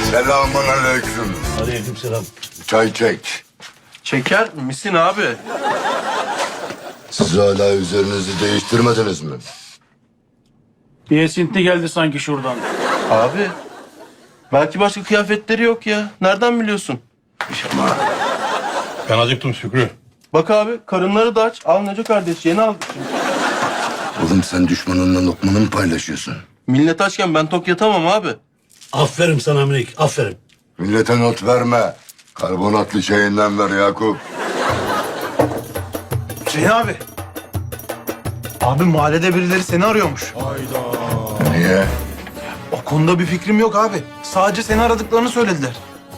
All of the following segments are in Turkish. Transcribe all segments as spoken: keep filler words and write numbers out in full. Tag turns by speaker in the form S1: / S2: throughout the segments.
S1: Selamun aleyküm.
S2: Aleykümselam.
S1: Çay çek.
S3: Çeker misin abi?
S1: Siz hala üzerinizi değiştirmediniz mi?
S2: Bir esinti geldi sanki şuradan.
S3: Abi. Belki başka kıyafetleri yok ya. Nereden biliyorsun?
S4: Ben acıktım Şükrü.
S3: Bak abi karınları da aç. Al Neco kardeş yeni aldık şimdi.
S1: Oğlum sen düşmanınla lokmanı mı paylaşıyorsun?
S3: Millet açken ben tok yatamam abi.
S2: Aferin sana minik, aferin.
S1: Millete not verme. Karbonatlı çayından ver Yakup.
S5: Hüseyin abi. Abi mahallede birileri seni arıyormuş.
S1: Niye?
S5: O konuda bir fikrim yok abi. Sadece seni aradıklarını söylediler.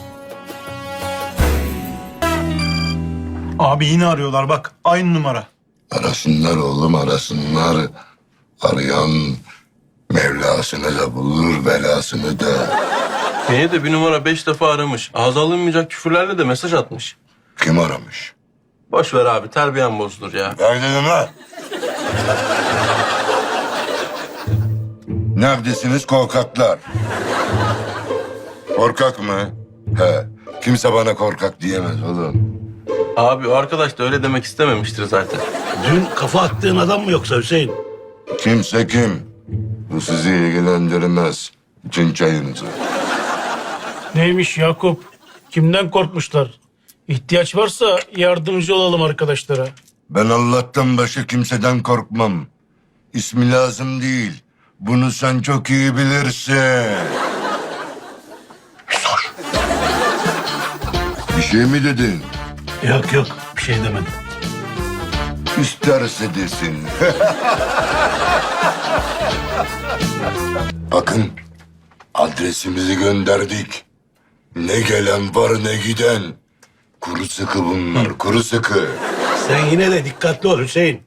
S5: Abi yine arıyorlar bak. Aynı numara.
S1: Arasınlar oğlum arasınlar. Arayan Mevlasını da bulur belasını da.
S3: Beni de bir numara beş defa aramış. Ağza alınmayacak küfürlerle de mesaj atmış.
S1: Kim aramış?
S3: Boş ver abi terbiyen bozulur ya.
S1: Ver dedim lan. Neredesiniz korkaklar? Korkak mı? He. Kimse bana korkak diyemez oğlum.
S3: Abi o arkadaş da öyle demek istememiştir zaten.
S2: Dün kafa attığın adam mı yoksa Hüseyin?
S1: Kimse kim? Bu sizi ilgilendirmez. İçin çayınızı.
S6: Neymiş Yakup? Kimden korkmuşlar? İhtiyaç varsa yardımcı olalım arkadaşlara.
S1: Ben Allah'tan başka kimseden korkmam. İsmi lazım değil. Bunu sen çok iyi bilirsin. Sor. Bir şey mi dedin?
S2: Yok yok, bir şey demedim.
S1: İsterse desin. Bakın, adresimizi gönderdik. Ne gelen var ne giden. Kuru sıkı bunlar, kuru sıkı.
S2: Sen yine de dikkatli ol Hüseyin.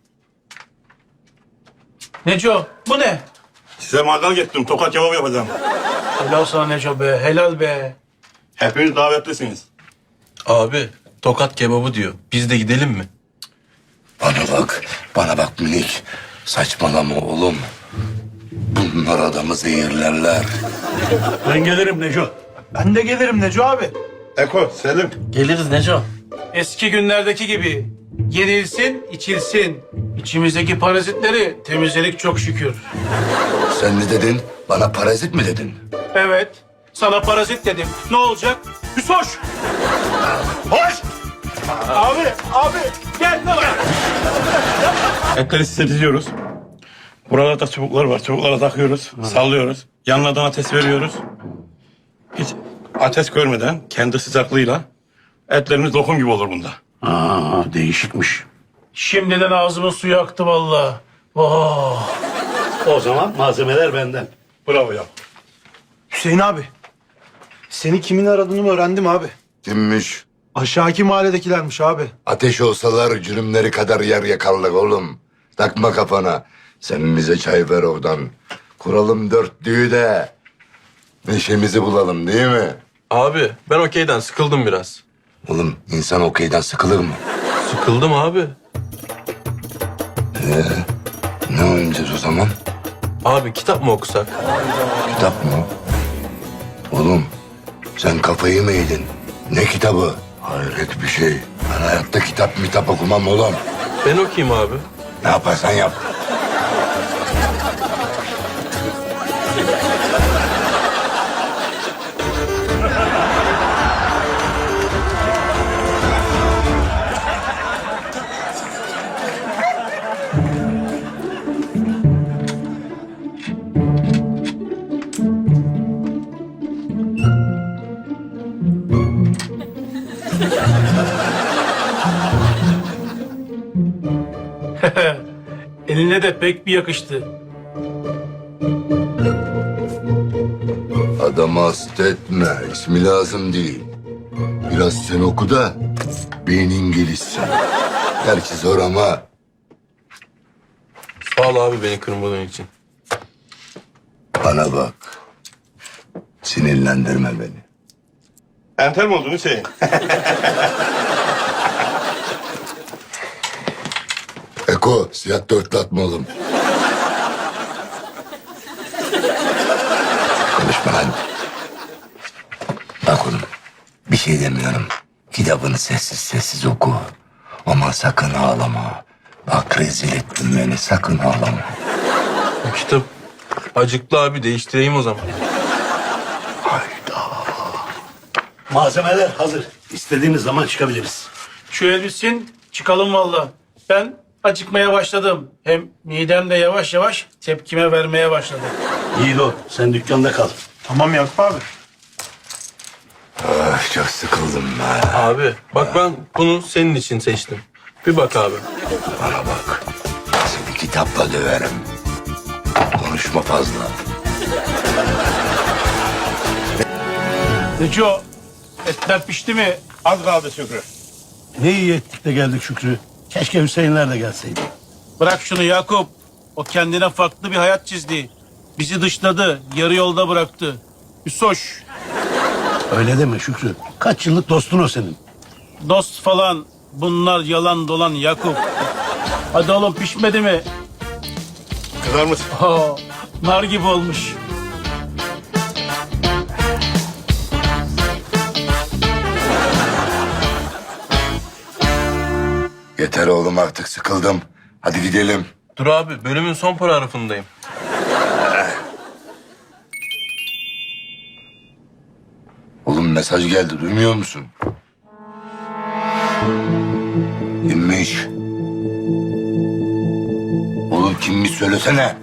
S6: Neco bu ne?
S4: Size mangal getirdim. Tokat kebabı yapacağım.
S6: Helal sana Neco be, helal be.
S4: Hepiniz davetlisiniz.
S3: Abi tokat kebabı diyor. Biz de gidelim mi?
S1: Bana bak, bana bak minik. Saçmalama oğlum. Bunlar adamı zehirlerler.
S2: Ben gelirim Neco.
S5: Ben de gelirim Neco abi.
S4: Eko, Selim.
S3: Geliriz Neco.
S6: Eski günlerdeki gibi yenilsin, içilsin. İçimizdeki parazitleri temizledik çok şükür.
S1: Sen ne dedin? Bana parazit mi dedin?
S6: Evet, sana parazit dedim. Ne olacak? Hüsoş! Hoş! Abi, abi gel ne var?
S4: Etleri sisletiliyoruz. Burada da çubuklar var. Çubuklara takıyoruz. Sallıyoruz. Yanlardan ateş veriyoruz. Hiç ateş görmeden kendi sıcaklığıyla etlerimiz lokum gibi olur bunda.
S2: Aa, değişikmiş.
S6: Şimdiden ağzımın suyu aktı vallahi. Oh.
S2: O zaman malzemeler benden.
S4: Bravo ya.
S5: Hüseyin abi. Seni kimin aradığını öğrendim abi.
S1: Kimmiş?
S5: Aşağıki mahalledekilermiş abi.
S1: Ateş olsalar cürümleri kadar yer yakarlar oğlum. Takma kafana. Sen bize çay ver oradan. Kuralım dörtlüğü de neşemizi bulalım değil mi?
S3: Abi ben okeyden sıkıldım biraz.
S1: Oğlum insan okeyden sıkılır mı?
S3: Sıkıldım abi.
S1: Ne oynayacağız o zaman?
S3: Abi kitap mı okusak?
S1: Kitap mı? Oğlum sen kafayı mı yedin? Ne kitabı? Hayret bir şey. Ben hayatta kitap mitap okumam oğlum.
S3: Ben okuyayım abi.
S1: Ne yaparsan yap.
S6: Eline de pek bir yakıştı.
S1: Adamı hasta etme. İsmi lazım değil. Biraz sen oku da beynin gelişsin. Gerçi zor ama
S3: Sağ ol abi beni kırmadığın için.
S1: bana bak. Sinirlendirme beni.
S4: Enter mi oldun Hüseyin?
S1: Eko siyah dörtlü atma oğlum. Konuşma lan. oğlum. Bir şey demiyorum. Kitabını sessiz sessiz oku. Ama sakın ağlama. Bak rezil ettin beni, sakın ağlama.
S3: Bu kitap acıklı abi, değiştireyim o zaman.
S7: Malzemeler hazır. İstediğiniz zaman çıkabiliriz.
S2: Şu el bitsin çıkalım valla. Ben acıkmaya başladım. Hem midem de yavaş yavaş tepkime vermeye başladı.
S7: Yiğido sen dükkanda kal.
S5: Tamam Yakup abi.
S1: Ay, çok sıkıldım be.
S3: Abi bak, ben bunu senin için seçtim. Bir bak abi.
S1: Bana bak. Seni kitapla döverim. Konuşma fazla.
S2: Neco etler pişti mi?
S4: Az kaldı Şükrü.
S7: Ne iyi ettik de geldik Şükrü. Keşke Hüseyinler de gelseydi.
S2: Bırak şunu Yakup. O kendine farklı bir hayat çizdi. Bizi dışladı. Yarı yolda bıraktı. Hüsoş.
S7: Öyle deme Şükrü. Kaç yıllık dostun o senin.
S2: Dost falan. Bunlar yalan dolan Yakup. Hadi oğlum pişmedi mi?
S4: Kızar mısın?
S2: Oo, nar gibi olmuş.
S1: Yeter oğlum, artık sıkıldım. Hadi gidelim.
S3: Dur abi, bölümün son paragrafındayım.
S1: Oğlum mesaj geldi, duymuyor musun? Kimmiş? Oğlum kimmiş söylesene.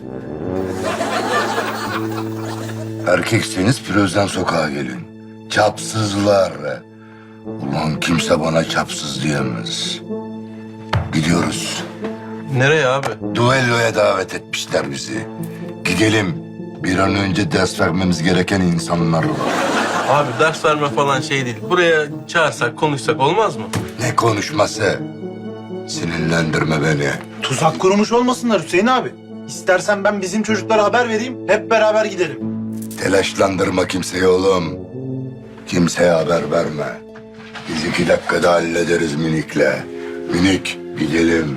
S1: Erkekseniz Piroz'dan sokağa gelin. Çapsızlar. Ulan kimse bana çapsız diyemez. Gidiyoruz.
S3: Nereye abi?
S1: Duelloya davet etmişler bizi. Gidelim. Bir an önce ders vermemiz gereken insanlar var.
S3: Abi ders verme falan şey değil. Buraya çağırsak, konuşsak olmaz mı?
S1: Ne konuşması? Sinirlendirme beni.
S5: Tuzak kurmuş olmasınlar Hüseyin abi. İstersen ben bizim çocuklara haber vereyim. Hep beraber gidelim.
S1: Telaşlandırma kimseyi oğlum. Kimseye haber verme. Biz iki dakikada hallederiz Minik'le. Minik, gidelim.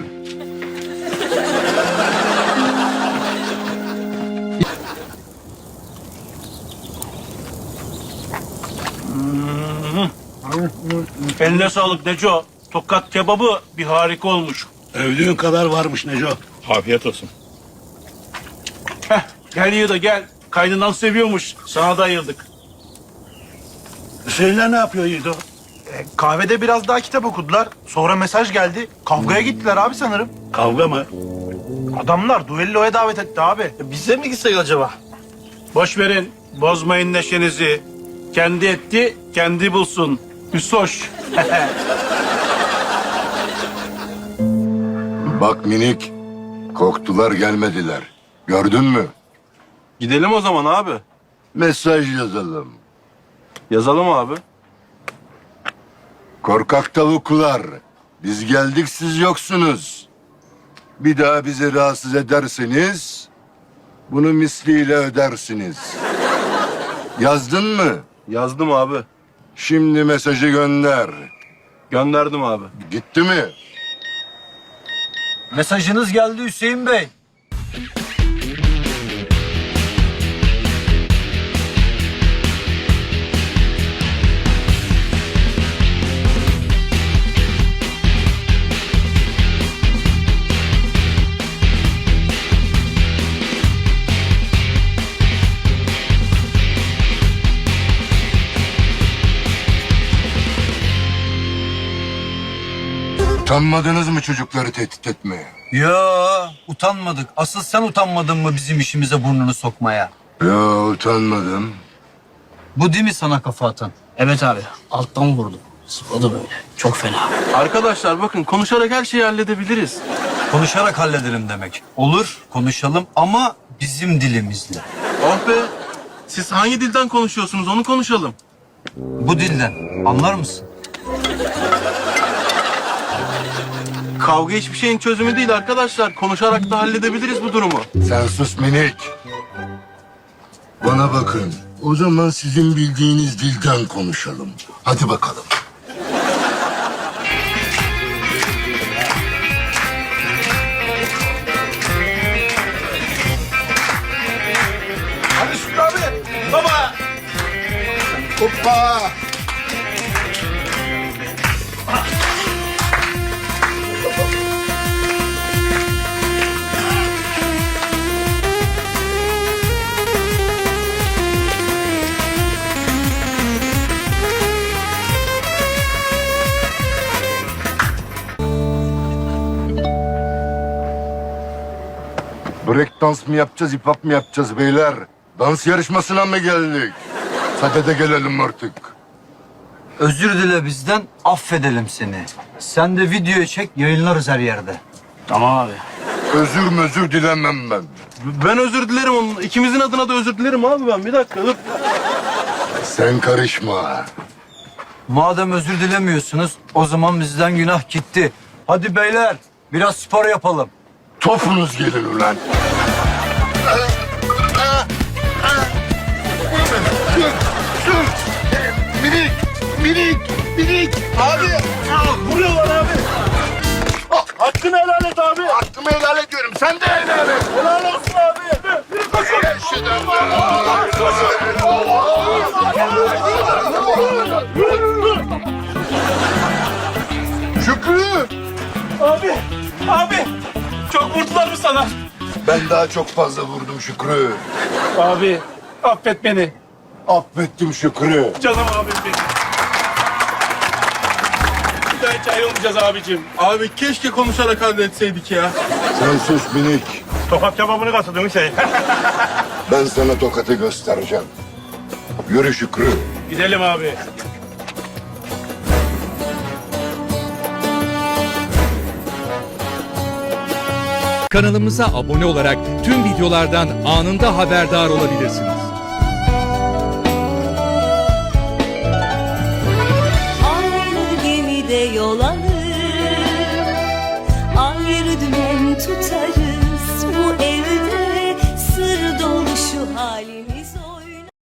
S2: Eline sağlık Neco. Tokat kebabı bir harika olmuş.
S7: Övdüğün kadar varmış Neco.
S4: Afiyet olsun.
S2: Heh, gel Yiğido gel. Kaynınan seviyormuş. Sana da ayırdık.
S7: Hüseyinler ne yapıyor Yiğido?
S5: E, kahvede biraz daha kitap okudular. Sonra mesaj geldi. Kavgaya gittiler abi sanırım.
S7: Kavga mı?
S5: Adamlar duelloya davet etti abi.
S3: Bize mi gitsek acaba?
S2: Boş verin. Bozmayın neşenizi. Kendi etti, kendi bulsun. Hüsoş.
S1: Bak Minik, korktular gelmediler. Gördün mü?
S3: Gidelim o zaman abi.
S1: Mesaj yazalım.
S3: Yazalım abi.
S1: Korkak tavuklar, biz geldik siz yoksunuz. Bir daha bizi rahatsız ederseniz bunu misliyle ödersiniz. Yazdın mı?
S3: Yazdım abi.
S1: Şimdi mesajı gönder.
S3: Gönderdim abi.
S1: Gitti mi?
S8: Mesajınız geldi Hüseyin Bey.
S1: Utanmadınız mı çocukları tehdit etmeye?
S8: Ya utanmadık. Asıl sen utanmadın mı bizim işimize burnunu sokmaya?
S1: Ya utanmadım.
S8: Bu değil mi sana kafa atan?
S9: Evet abi. Alttan vurdu. Sıvadı böyle. Çok fena.
S3: Arkadaşlar bakın, konuşarak her şeyi halledebiliriz.
S8: Konuşarak halledelim demek. Olur, konuşalım ama bizim dilimizle.
S3: Oh be! Siz hangi dilden konuşuyorsunuz, onu konuşalım.
S8: Bu dilden. Anlar mısın?
S3: Kavga hiçbir şeyin çözümü değil arkadaşlar. Konuşarak da halledebiliriz bu durumu.
S1: Sen sus Minik. Bana bakın. O zaman sizin bildiğiniz dilden konuşalım. Hadi bakalım.
S5: Hadi Şükrü abi. Baba.
S1: Hoppa! Break dans mı yapacağız, hip hop mu yapacağız beyler? Dans yarışmasına mı geldik? Sadede gelelim artık.
S8: Özür dile bizden, affedelim seni. Sen de videoyu çek, yayınlarız her yerde.
S9: Tamam abi.
S1: Özür mözür dilemem ben.
S3: Ben özür dilerim onun. İkimizin adına da özür dilerim abi ben. Bir dakika dur.
S1: Sen karışma.
S8: Madem özür dilemiyorsunuz, o zaman bizden günah gitti. Hadi beyler, biraz spor yapalım.
S1: Topunuz gelin ulan. Minik, minik, minik. Abi.
S6: Vuruyorlar abi. Hakkını helal et abi.
S1: Hakkımı helal ediyorum. Sen de helal et.
S6: Helal olsun abi. Yürü koşun.
S1: Eşhedem Şükrü.
S6: Abi. Abi. Çok vurdular mı sana?
S1: Ben daha çok fazla vurdum Şükrü.
S2: Abi affet beni.
S1: Affettim Şükrü.
S2: Canım abim benim. Bir daha hiç ayrılmayacağız abicim.
S3: Abi keşke konuşarak halletseydik ya.
S1: Sen sus minik.
S4: Sokak kebabını kastediyorsun şey.
S1: Ben sana tokatı göstereceğim. Yürü Şükrü.
S2: Gidelim abi.
S10: Kanalımıza abone olarak tüm videolardan anında haberdar olabilirsiniz.
S11: Aynı gemide yol alır.